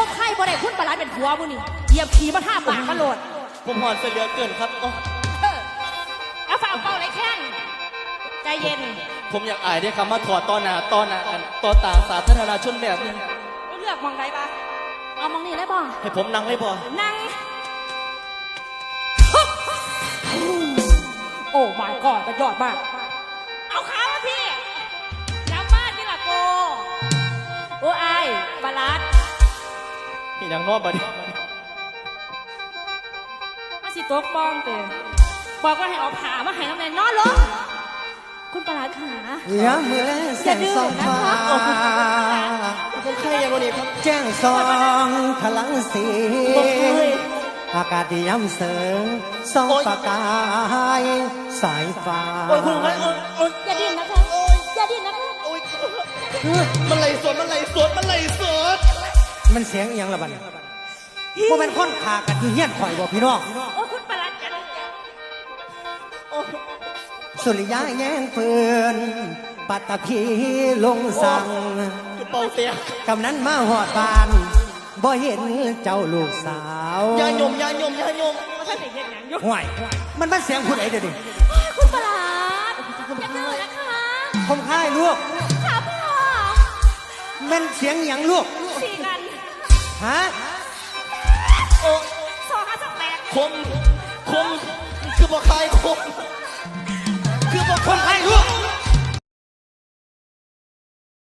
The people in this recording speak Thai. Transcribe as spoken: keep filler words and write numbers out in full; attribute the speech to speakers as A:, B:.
A: บไข่บ่ได้คุณประหลัดเป็นผัวบุนี่เหยียบขี่มาท่าปากมาโหลด
B: ผมหอนเสียเหลือเกินครับโอ้
A: เอาฝ่าเป่าไรแข้งใจเย็น
B: ผมอยากอายได้คำว่าถอดต่อหน้าต่อหน้ากันต่อตาสาธารณชนแบบนี้
A: เลือกมองใดบ้างเอามองนี่ได้บ้าง
B: ให้ผมนั่งได้บ่
A: นั่งโอ้ my god จะยอดมากเอาขามาพี่ย้ำบ้านนี่ล่ะโกโอ้ไอ้บาลัด
B: พี่นางนอกบัดนี้
A: มาสิโต๊ะปองเตะบอกว่าให้เอาผ้ามาให้น้ำแน่นอนลงคุณประหลัดขา
C: อย่ามือแลแสงสองฟ้า
B: ผมใครอย่างวันนี้ครับ
C: แจ้งสองพลังสี
A: บอกเลย
C: อากาศที่ย้ำเสริงสองประกายสายฟ้า
B: โอ้ยคุณใครโอ้ยโอ้ย
A: อย่าดิ้นนะคะอย่าดิ้นนะคะ
B: โอ้ยมันไหลสดมันไหลสดมันไหลสด
C: มันเสียงอหย่างละบัดพวกมันค้นขากันที่เฮี้ยนข่อยบ่พี่น้อง
A: โอ้คุณประหลัดจะ
B: โอ้ย
C: สุริยะแย่งปืนปัตตภีลงสั่ง
B: คือเป่าเสีย
C: กำนั้นมาหอดบานบ่เห็นเจ้าลูกสาวย
B: าหยมยาหยมยาหยม
A: ท่านเด็กยังยังยุ
C: ห่วยมันมันเสียงผู้ใดเดี๋ยวนี้
A: คุณประหลัดอย่าดื้อนะคะ
C: ผมค่ายลูก
A: ขาพ่อ
C: มันเสียงอย่างลูก
A: สีกัน
C: ฮะ
B: โอ้
A: สองห้าสองแปด
B: คมคมคือบ่คายคมคือบ่
C: คน
B: คา
C: ค่าย ยลูก